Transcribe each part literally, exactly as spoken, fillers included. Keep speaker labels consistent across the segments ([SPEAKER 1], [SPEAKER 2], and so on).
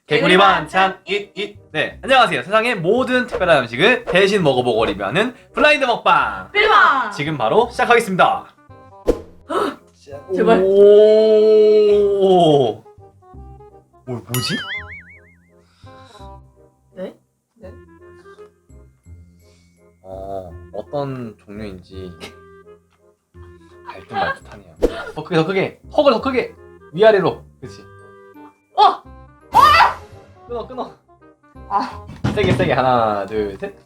[SPEAKER 1] 개구리 반찬 잇잇. 네, 안녕하세요. 세상의 모든 특별한 음식을 대신 먹어보고 리뷰하는 블라인드 먹방.
[SPEAKER 2] 필마!
[SPEAKER 1] 지금 바로 시작하겠습니다.
[SPEAKER 2] 제발.
[SPEAKER 1] 오. 오, 뭐지?
[SPEAKER 2] 네? 네?
[SPEAKER 1] 어, 어떤 종류인지 알듯말듯하네요. 더 크게, 더 크게, 턱을 더 크게 위아래로. 그렇지.
[SPEAKER 2] 어!
[SPEAKER 1] 끊어, 끊어.
[SPEAKER 2] 아,
[SPEAKER 1] 세게, 세게. 하나, 둘, 셋.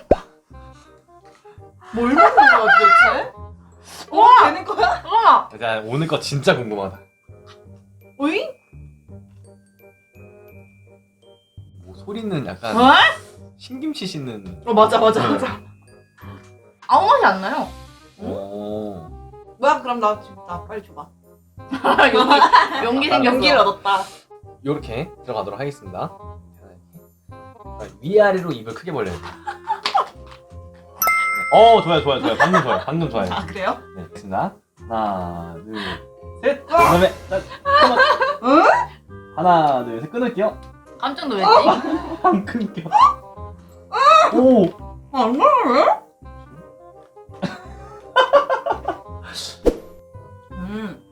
[SPEAKER 2] 뭘 먹는 거야 도대체? 와! 되는 거야? 잠깐만!
[SPEAKER 1] 자, 오늘 거 진짜 궁금하다.
[SPEAKER 2] 오잉?
[SPEAKER 1] 뭐 소리는 약간
[SPEAKER 2] 어?
[SPEAKER 1] 신김치 씻는.
[SPEAKER 2] 어 맞아 맞아
[SPEAKER 1] 네.
[SPEAKER 2] 맞아. 아무 맛이 안 나요.
[SPEAKER 1] 오.
[SPEAKER 2] 뭐야 그럼 나 지금 나 빨리 줘봐. 용기 용기 생겼어. 용기를 얻었다.
[SPEAKER 1] 요렇게 들어가도록 하겠습니다. 자, 위아래로 입을 크게 벌려야 돼. 어, 좋아요, 좋아요, 좋아요. 방금 좋아요, 방금 좋아요.
[SPEAKER 2] 아 그래요?
[SPEAKER 1] 네, 됐습니다. 하나, 둘, 셋. 그다음에 자, 끊어.
[SPEAKER 2] 응?
[SPEAKER 1] 하나, 둘, 셋. 끊을게요.
[SPEAKER 2] 깜짝 놀랐지?
[SPEAKER 1] 안 끊겨. 오.
[SPEAKER 2] 안 나네? 음.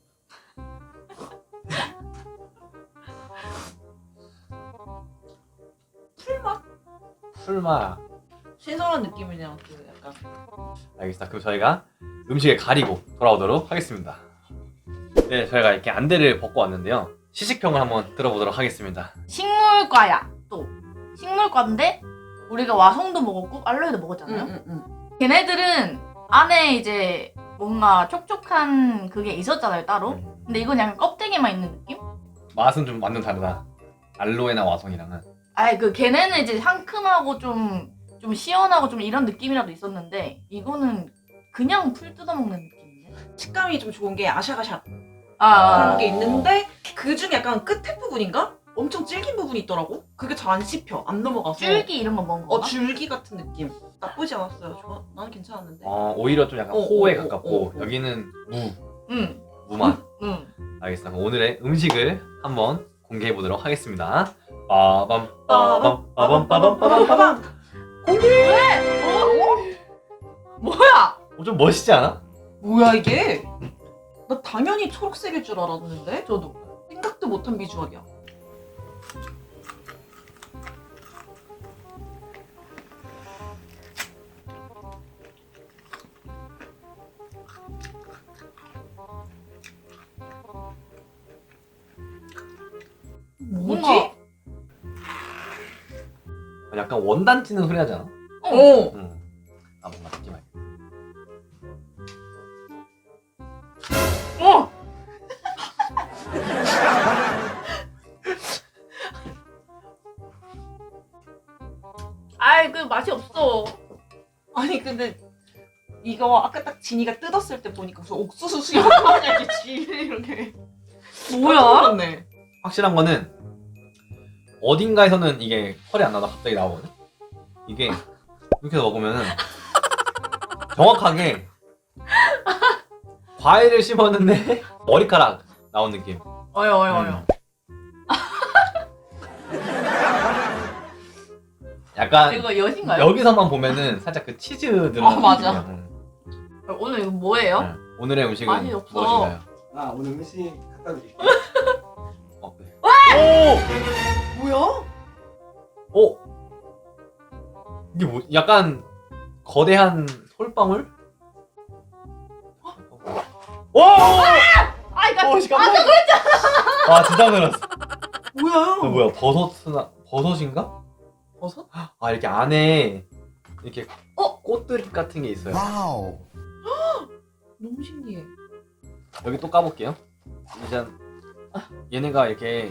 [SPEAKER 2] 풀맛?
[SPEAKER 1] 풀맛.
[SPEAKER 2] 신선한 느낌이네요. 그 약간.
[SPEAKER 1] 알겠습니다. 그럼 저희가 음식을 가리고 돌아오도록 하겠습니다. 네, 저희가 이렇게 안대를 벗고 왔는데요. 시식평을 한번 들어보도록 하겠습니다.
[SPEAKER 3] 식물과야 또 식물과인데 우리가 와송도 먹었고 알로에도 먹었잖아요.
[SPEAKER 2] 응, 응.
[SPEAKER 3] 걔네들은 안에 이제 뭔가 촉촉한 그게 있었잖아요 따로.
[SPEAKER 1] 음,
[SPEAKER 3] 근데 이건 약간 껍데기만 있는 느낌?
[SPEAKER 1] 맛은 좀 완전 다르다. 알로에나 와송이랑은.
[SPEAKER 3] 아예 그 걔네는 이제 상큼하고 좀 좀 시원하고 좀 이런 느낌이라도 있었는데 이거는 그냥 풀 뜯어 먹는 느낌인데.
[SPEAKER 2] 식감이 좀 좋은 게 아샤아샤
[SPEAKER 3] 아,
[SPEAKER 2] 그런 게 있는데 그 중에 약간 끝에 부분인가? 엄청 질긴 부분이 있더라고. 그게 잘 안 씹혀. 안 넘어가서.
[SPEAKER 3] 줄기 이런 거 먹은
[SPEAKER 2] 어
[SPEAKER 3] 건가?
[SPEAKER 2] 줄기 같은 느낌. 나쁘지 않았어요. 좋아. 나는 괜찮았는데.
[SPEAKER 1] 어, 오히려 좀 약간
[SPEAKER 2] 어,
[SPEAKER 1] 호에
[SPEAKER 2] 어,
[SPEAKER 1] 가깝고
[SPEAKER 2] 어, 어.
[SPEAKER 1] 여기는 무,
[SPEAKER 3] 응,
[SPEAKER 1] 무맛.
[SPEAKER 3] 응.
[SPEAKER 1] 알겠습니다. 그럼 오늘의 음식을 한번 공개해 보도록 하겠습니다. 빠밤 빠밤 빠밤 빠밤 빠밤 빠밤.
[SPEAKER 3] 왜? 어? 뭐야?
[SPEAKER 1] 어, 좀 멋있지 않아?
[SPEAKER 2] 뭐야 이게? 나 당연히 초록색일 줄 알았는데
[SPEAKER 3] 저도.
[SPEAKER 2] 생각도 못한 비주얼이야. 뭐지?
[SPEAKER 3] 뭔가-
[SPEAKER 1] 약간 원단 찌는 소리 하지 않아?
[SPEAKER 2] 어.
[SPEAKER 1] 응. 아, 뭔가 느낌 알겠다.
[SPEAKER 3] 어! 아이 그 맛이 없어.
[SPEAKER 2] 아니 근데 이거 아까 딱 진이가 뜯었을 때 보니까 무슨 옥수수 수육 아니야 이게 지 이렇게.
[SPEAKER 3] 뭐야?
[SPEAKER 2] 네
[SPEAKER 1] 확실한 거는 어딘가에서는 이게 펄이 안 나다 갑자기 나오거든? 이게 이렇게 해서 먹으면은 정확하게 과일을 씹었는데 머리카락 나온 느낌.
[SPEAKER 3] 어여 어여 어여.
[SPEAKER 1] 약간
[SPEAKER 3] 이거 엿인가요?
[SPEAKER 1] 여기서만 보면은 살짝 그 치즈 들어간
[SPEAKER 2] 어, 맞아.
[SPEAKER 1] 느낌이야. 응.
[SPEAKER 3] 오늘 이거 뭐예요?
[SPEAKER 1] 응. 오늘의 음식은
[SPEAKER 3] 맛이 없어.
[SPEAKER 1] 무엇인가요?
[SPEAKER 4] 아 오늘 음식 갖다 드릴게요.
[SPEAKER 1] 어, 네.
[SPEAKER 2] 뭐야?
[SPEAKER 1] 오! 오! 이게 뭐 약간 거대한 솔방울? 오!
[SPEAKER 3] 아이 나
[SPEAKER 1] 오, 깜짝이야. 와, 진짜 놀랐어.
[SPEAKER 2] 뭐야?
[SPEAKER 1] 어, 뭐야, 버섯이나, 버섯인가?
[SPEAKER 2] 버섯?
[SPEAKER 1] 아, 이렇게 안에, 이렇게,
[SPEAKER 2] 어?
[SPEAKER 1] 꽃들 같은 게 있어요.
[SPEAKER 4] 와우.
[SPEAKER 2] 너무 신기해.
[SPEAKER 1] 여기 또 까볼게요. 일단, 얘네가 이렇게,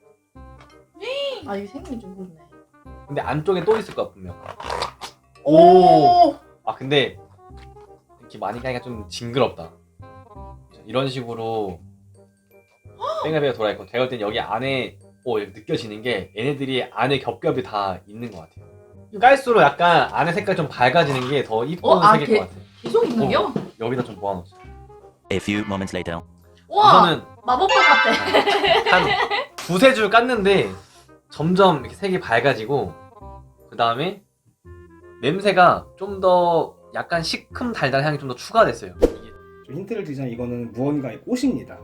[SPEAKER 3] 아 이게 생긴 좀 그렇네.
[SPEAKER 1] 근데 안쪽에 또 있을 거야, 분명. 오! 아, 근데, 이렇게 많이 까니까 좀 징그럽다. 이런 식으로, 뺑글뺑글 돌아있고, 제가 볼 땐 여기 안에, 오, 이렇게 느껴지는 게, 얘네들이 안에 겹겹이 다 있는 것 같아요. 깔수록 약간 안에 색깔 좀 밝아지는 게 더 이쁜
[SPEAKER 3] 어, 아,
[SPEAKER 1] 색일
[SPEAKER 3] 개-
[SPEAKER 1] 것 같아.
[SPEAKER 3] 계속 있는겨?
[SPEAKER 1] 여기다 좀 모아놓자.
[SPEAKER 5] A few moments later.
[SPEAKER 3] 와
[SPEAKER 1] 우선은
[SPEAKER 3] 마법봉 같아.
[SPEAKER 1] 한 두세 줄 깠는데 점점 이렇게 색이 밝아지고 그 다음에 냄새가 좀 더 약간 시큼 달달한 향이 좀 더 추가됐어요. 이게
[SPEAKER 4] 좀 힌트를 드리자면 이거는 무언가의 꽃입니다.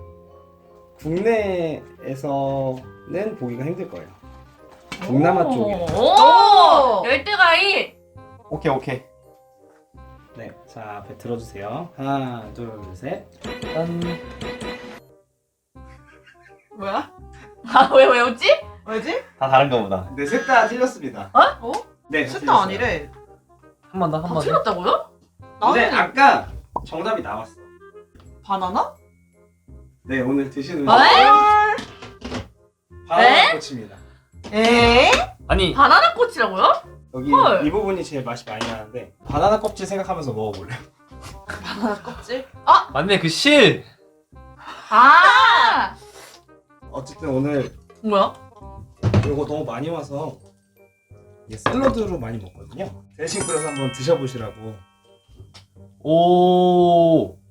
[SPEAKER 4] 국내에서는 보기가 힘들 거예요. 동남아 쪽에.
[SPEAKER 3] 오! 열대과일!
[SPEAKER 1] 오케이 오케이.
[SPEAKER 4] 네, 자 앞에 들어주세요. 하나, 둘, 셋.
[SPEAKER 1] 짠.
[SPEAKER 2] 뭐야?
[SPEAKER 3] 아, 왜, 왜 웃지?
[SPEAKER 2] 왜지?
[SPEAKER 1] 다 다른가 보다.
[SPEAKER 4] 네, 셋 다 틀렸습니다.
[SPEAKER 2] 어?
[SPEAKER 4] 네,
[SPEAKER 2] 셋
[SPEAKER 4] 틀렸어요.
[SPEAKER 2] 다 아니래.
[SPEAKER 1] 한 번 더, 한
[SPEAKER 3] 다
[SPEAKER 1] 번 더.
[SPEAKER 3] 틀렸다고요?
[SPEAKER 4] 근데
[SPEAKER 2] 나는
[SPEAKER 4] 아까 정답이 나왔어.
[SPEAKER 2] 바나나?
[SPEAKER 4] 네, 오늘 드시는
[SPEAKER 3] 아, 에?
[SPEAKER 4] 바나나 꽃입니다.
[SPEAKER 2] 에?
[SPEAKER 1] 아니
[SPEAKER 3] 바나나 꽃이라고요?
[SPEAKER 4] 여기
[SPEAKER 3] 헐.
[SPEAKER 4] 이 부분이 제일 맛이 많이 나는데 바나나 껍질 생각하면서 먹어볼래요?
[SPEAKER 2] 바나나 껍질?
[SPEAKER 1] 맞네 그 실.
[SPEAKER 3] 아!
[SPEAKER 4] 어쨌든 오늘
[SPEAKER 3] 뭐야?
[SPEAKER 4] 이거 너무 많이 와서 이게 샐러드로 많이 먹거든요. 대신 그래서 한번 드셔보시라고.
[SPEAKER 1] 오. 오.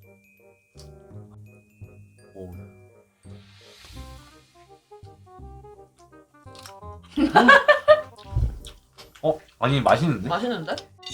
[SPEAKER 1] 어 아니 맛있는데?
[SPEAKER 2] 맛있는데?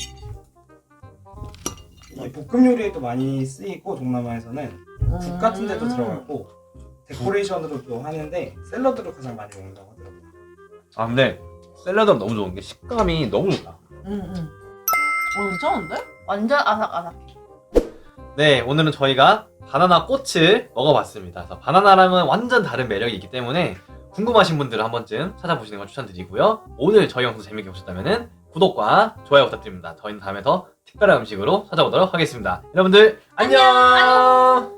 [SPEAKER 4] 이게 볶음 요리에도 많이 쓰이고 동남아에서는 국 같은 데도 들어가고 데코레이션으로도 하는데 샐러드로 가장 많이 먹는다고 하더라고요.
[SPEAKER 1] 아 근데 샐러드는 너무 좋은 게 식감이 너무 좋다.
[SPEAKER 2] 응응. 어 괜찮은데?
[SPEAKER 3] 완전 아삭아삭.
[SPEAKER 1] 네, 오늘은 저희가 바나나 꽃을 먹어봤습니다. 그래서 바나나랑은 완전 다른 매력이 있기 때문에 궁금하신 분들은 한 번쯤 찾아보시는 걸 추천드리고요. 오늘 저희 영상 재밌게 보셨다면 구독과 좋아요 부탁드립니다. 저희는 다음에 더 특별한 음식으로 찾아오도록 하겠습니다. 여러분들 안녕!
[SPEAKER 3] 안녕!